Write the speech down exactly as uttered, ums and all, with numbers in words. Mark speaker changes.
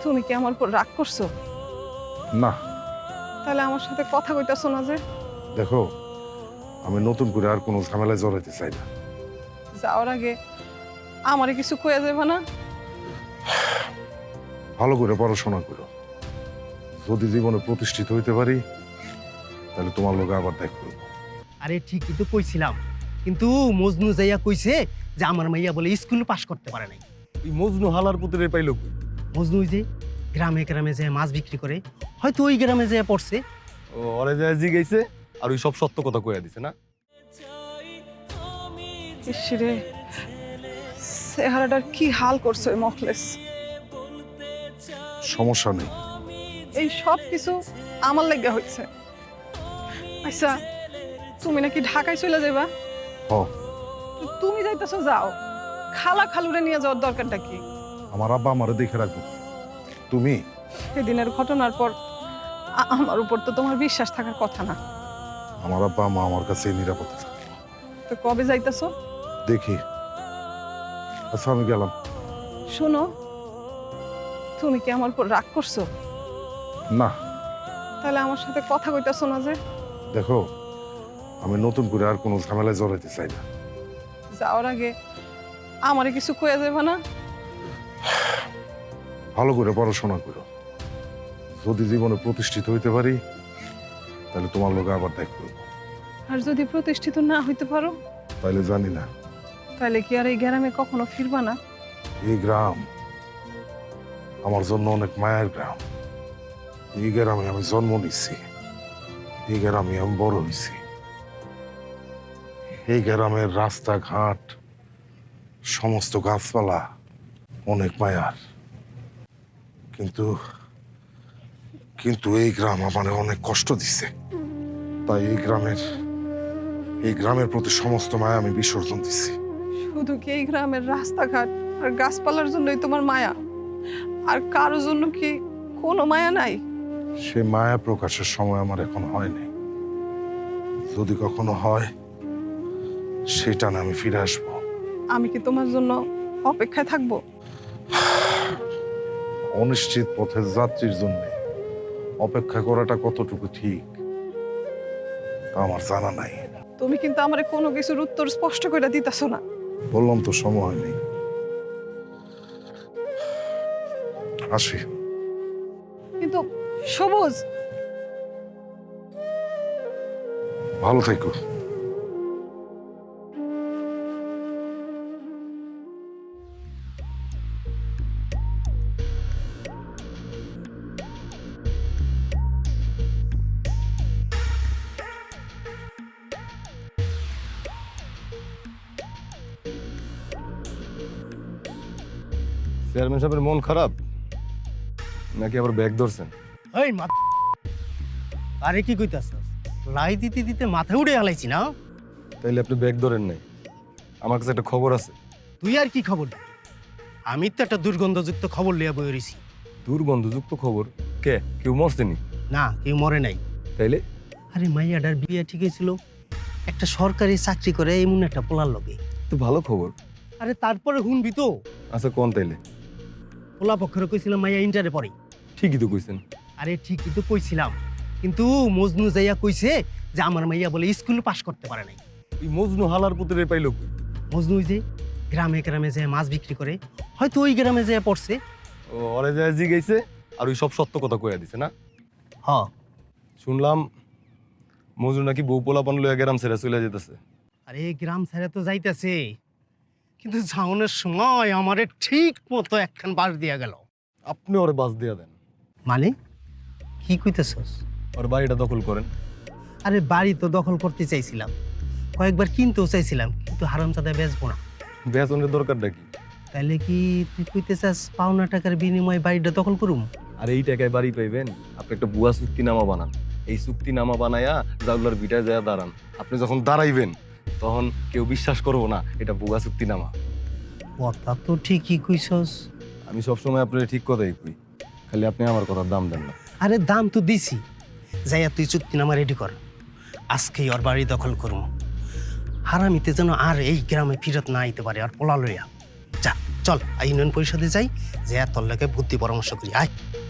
Speaker 1: তুমি কি আমার উপর রাগ করছো?
Speaker 2: না।
Speaker 1: তাহলে আমার সাথে কথা কইতাছো না যে?
Speaker 2: দেখো, আমি নতুন করে আর কোনো ঝামেলায় জড়াইতে চাই না।
Speaker 1: যাওয়ার আগে আমারে কিছু কইয়া যাবে না?
Speaker 2: ভালো করে পড়াশোনা করো। যদি জীবনে প্রতিষ্ঠিত হইতে পারি তাহলে তোমার লোকে আবার দেখ করবো।
Speaker 3: আরে ঠিকই তো কইছিলাম, কিন্তু মজনু যাইয়া কইছে যে আমার মাইয়া বলে স্কুল পাস করতে পারে নাই।
Speaker 4: এই মজনু হালার পুতুলের পাইল কই?
Speaker 3: মজনু ওই যে গ্রামে গ্রামে যায় মাছ বিক্রি করে, হয়তো ওই গ্রামে যায় পড়ছে।
Speaker 4: ও ওরে যায় জিগাইছে আর ওই সব সত্য কথা কইয়া দিছে না?
Speaker 1: ইসরে, চেহারাটার কি হাল করছো এই মখলেস।
Speaker 2: সমস্যা নেই।
Speaker 1: এই সব কিছু আমার লেগে হচ্ছে। আচ্ছা, তুমি নাকি ঢাকায় চলে যাবা?
Speaker 2: হ,
Speaker 1: তো তুমি যাইতেছো, যাও। খালা খালুরে নিয়ে যাওয়ার দরকারটা কি?
Speaker 2: আমার আব্বা আমারে দেখে রাখবো। তুমি
Speaker 1: সেদিনের ঘটনার পর আ- আমার উপর তো তোমার বিশ্বাস থাকার কথা না।
Speaker 2: আমার আব্বা মা আমার কাছে নিরাপদে থাকবো।
Speaker 1: তো কবে যাইতেছো?
Speaker 2: দেখি। আচ্ছা, আমি গেলাম।
Speaker 1: শোনো, তুমি কি আমার উপর রাগ করছো?
Speaker 2: না।
Speaker 1: তাহলে আমার সাথে কথা কইতাছো না যে?
Speaker 2: দেখো, আমি নতুন করে আর কোনো ঝামেলায় জড়াইতে চাই না।
Speaker 1: যাওয়ার আগে আমারে কিছু কইয়া যাবে না?
Speaker 2: ভালো করে পড়াশোনা করো। যদি জীবনে প্রতিষ্ঠিত হইতে পারি তাহলে তোমার লোকে আবার দেখ করবো।
Speaker 1: আর যদি প্রতিষ্ঠিত না হইতে পারো,
Speaker 2: তাইলে জানি না
Speaker 1: তাহলে কি আর এই গ্রামে কখনো ফিরবা না?
Speaker 2: এই গ্রাম আমার জন্য অনেক মায়ের গ্রাম। এই গ্রামে আমি জন্ম নিচ্ছি, এই গ্রামে আমি বড় হয়েছি। এই গ্রামের রাস্তাঘাট, সমস্ত গাছপালা অনেক মায়ার। কিন্তু কিন্তু এই গ্রাম আমার অনেক কষ্ট দিচ্ছে। তাই এই গ্রামের এই গ্রামের প্রতি সমস্ত মায়া আমি বিসর্জন দিচ্ছি।
Speaker 1: শুধু কি এই গ্রামের রাস্তাঘাট আর গাছপালার জন্যই তোমার মায়া? আর কারোর জন্য কি কোনো মায়া নাই?
Speaker 2: সে মায়া প্রকাশের সময় আমার এখন হয়নি। যদি কখনো হয় সেটা না আমি ফিরে আসবো।
Speaker 1: আমি কি তোমার জন্য অপেক্ষায় থাকবো?
Speaker 2: অনিশ্চিত পথের যাত্রীর জন্য অপেক্ষা করাটা কতটুকু ঠিক তা আমার জানা নাই।
Speaker 1: তুমি কিন্তু আমারে কোনো কিছুর উত্তর স্পষ্ট করে দিতেছো না।
Speaker 2: বললাম তো সময় নেই। আসি।
Speaker 1: কিন্তু সবুজ,
Speaker 2: ভালো থেকো।
Speaker 4: চেয়ারম্যান সাহেবের মন খারাপ নাকি আবার ব্যাগ ধরছেন?
Speaker 3: এই মা, আরে কি কইতাছস? লাই দিতে দিতে মাথা উড়ে হালাইছি না।
Speaker 4: তাইলে আপনি ব্যাগ ধরেন নাই? আমার কাছে একটা খবর আছে।
Speaker 3: তুই আর কি খবর দিবি? আমি তো একটা দুর্গন্ধযুক্ত খবর লিয়া বই রইছি।
Speaker 4: দুর্গন্ধযুক্ত খবর? কে কেউ মরছেনি?
Speaker 3: না, কেউ মরে নাই।
Speaker 4: তাইলে
Speaker 3: আরে মাইয়াডার বিয়ে ঠিক হয়েছিল একটা সরকারি চাকরি করে এমন একটা পোলার লগে।
Speaker 4: তো ভালো খবর।
Speaker 3: আরে তারপরে শুনবি তো,
Speaker 4: আচ্ছা কোন তাইলে?
Speaker 3: পোলা পক্ষের কইছিল মাইয়া ইন্টারে পড়ে।
Speaker 4: ঠিকই তো কইছেন।
Speaker 3: আরে ঠিকই তো কইছিলাম, কিন্তু মজনু যাইয়া কইছে যে আমার মাইয়া বলে স্কুল পাস করতে পারে নাই।
Speaker 4: এই মজনু হালার পুতুলের পাইল কই?
Speaker 3: মজনু ওই যে গ্রামে গ্রামে যায় মাছ বিক্রি করে, হয়তো ওই গ্রামে যায় পড়ছে।
Speaker 4: ও ওরে যায় জিগাইছে আর ওই সব সত্য কথা কইয়া দিছে না?
Speaker 3: হ,
Speaker 4: শুনলাম মজনু নাকি বউ পোলাপান লইয়া গ্রাম ছেড়ে চলে যেতেছে।
Speaker 3: আরে গ্রাম ছেড়ে তো যাইতেছে, কিন্তু যাওনের সময় আমারে ঠিক মতো একখান বাস দিয়া গেল।
Speaker 4: আপনি ওরে বাস দিয়া দেন।
Speaker 3: মানে কি কইতেছস?
Speaker 4: ওর বাড়িটা দখল করেন।
Speaker 3: আরে বাড়ি তো দখল করতে চাইছিলাম, কয়েকবার কিনতেও চাইছিলাম, কিন্তু হারামজাদা বেচবো না।
Speaker 4: বেতনের দরকারটা কি?
Speaker 3: তাইলে কি তুই কইতে চাস পাওনা টাকার বিনিময়ে বাড়িটা দখল করুম?
Speaker 4: আর এই টাকায় বাড়ি পাইবেন? আপনি একটা বুয়া চুক্তিনামা বানান। এই চুক্তিনামা বানায়া জাউলার ভিটায় যায় দাঁড়ান। আপনি যখন দাঁড়াইবেন তখন কেউ বিশ্বাস করবো না এটা বুয়া চুক্তিনামা।
Speaker 3: কথা তো ঠিকই কইছস।
Speaker 4: আমি সবসময় আপনার ঠিক কথাই কই, খালি আপনি আমার কথার দাম দেন না।
Speaker 3: আরে দাম তো দিছি, যাইয়া তুই চুক্তিনামা রেডি কর। আজকেই ওর বাড়ি দখল করুম। হারামিতে যেন আর এই গ্রামে ফিরত না আইতে পারে আর পোলা লইয়া। যা চল আই ইউনিয়ন পরিষদে যাই যে তোর লাগে বুদ্ধি পরামর্শ করি আয়